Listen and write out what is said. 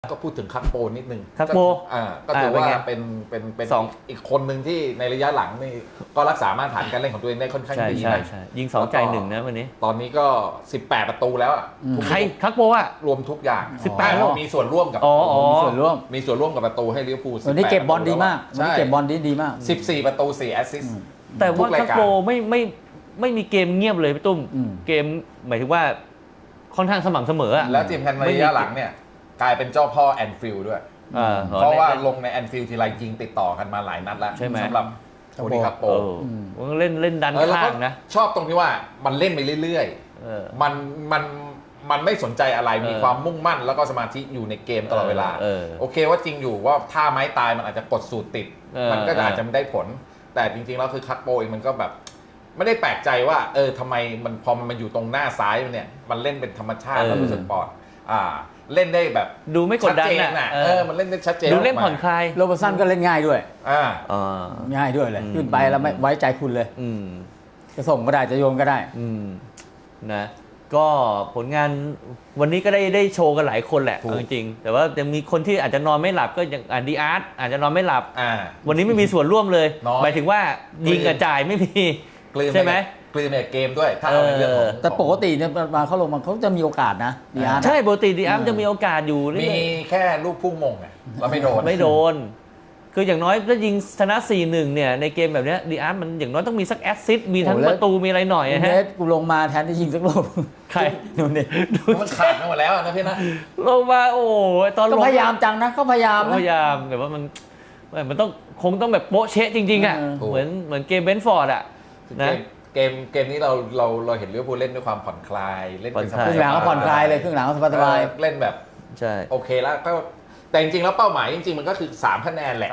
ก็พูดถึงคักโปนิดนึงคักโปก็ถือว่าเป็นอีกคนหนึ่งที่ในระยะหลังนี่ก็รักษามาตรฐานการเล่นของตัวเองได้ค่อนข้างดีนะยิง2 จ่าย 1นะวันนี้ตอนนี้ก็18ประตูแล้วอ่ะใครคักโปอ่ะรวมทุกอย่าง 18แล้วมีส่วนร่วมกับมีส่วนร่วมกับประตูให้ลิเวอร์พูลวันนี้เก็บบอลดีมากวันนี้เก็บบอลดีมาก 14ประตู4แอสซิสต์แต่ว่าคักโปไม่มีเกมเงียบเลยพี่ตุ้มเกมหมายถึงว่าค่อนข้างสม่ำเสมอแล้วทีมแพนในระยะหลังเนี่ยกลายเป็นเจ้าพ่อแอนฟิลด์ด้วยเพราะว่าลงในแอนฟิลด์ทีไรยิงติดต่อกันมาหลายนัดแล้วสำหรับโทนี่คักโปเล่นดันข้างนะชอบตรงที่ว่ามันเล่นไปเรื่อยๆมันไม่สนใจอะไรมีความมุ่งมั่นแล้วก็สมาธิอยู่ในเกมตลอดเวลาโอเคว่าจริงอยู่ว่าท่าไม้ตายมันอาจจะกดสูตรติดมันก็อาจจะไม่ได้ผลแต่จริงๆแล้วคือคักโปเองมันก็แบบไม่ได้แปลกใจว่าทำไมมันพอมันอยู่ตรงหน้าซ้ายเนี่ยมันเล่นเป็นธรรมชาติแล้วรู้สึกปลอดเล่นได้แบบดูไม่กดดันนะมันเล่นได้ชัดเจนดูเล่นผ่อนคลายโรเบอร์สันก็เล่นง่ายด้วยง่ายด้วยเลยขึ้นไปแล้วไม่ไว้ใจคุณเลยจะส่งก็ได้จะโยนก็ได้นะก็ผลงานวันนี้ก็ได้โชว์กันหลายคนแหละจริงๆแต่ว่ายังมีคนที่อาจจะนอนไม่หลับก็อย่างดีอาร์ตอาจจะนอนไม่หลับวันนี้ไม่มีส่วนร่วมเลยหมายถึงว่ายิงกับจ่ายไม่มีใช่ไหมกลืนในเกมด้วยถ้าเอาในเรื่องของแต่ปกติเนี่ยมาเขาลงมาเขาจะมีโอกาสนะดีอาร์ใช่ปกติดีอาร์จะมีโอกาสอยู่มีแค่ลูกพุ่งมงไงเราไม่โดนคืออย่างน้อยถ้ายิงชนะ 4-1 เนี่ยในเกมแบบนี้ดีอาร์มันอย่างน้อยต้องมีสักแอสซิสต์มีทั้งประตูมีอะไรหน่อยฮะกูลงมาแทนที่ยิงสักลูกใครดูนี่มันขาดหมดแล้วนะพี่นะลงมาโอ้ตอนก็พยายามจังนะเขาพยายามแต่ว่ามันต้องคงต้องแบบโป๊ะเชะจริงๆอ่ะเหมือนเกมเบนฟอร์ดอ่ะนะเกมนี้เราเห็นลิเวอร์พูลเล่นด้วยความผ่อนคลายเล่นเป็นครึ่งหลังก็ผ่อนคลายเลยครึ่งหลังก็สบายเล่นแบบโอเคแล้วก็แต่จริงๆแล้วเป้าหมายจริงๆมันก็คือ3คะแนนแหละ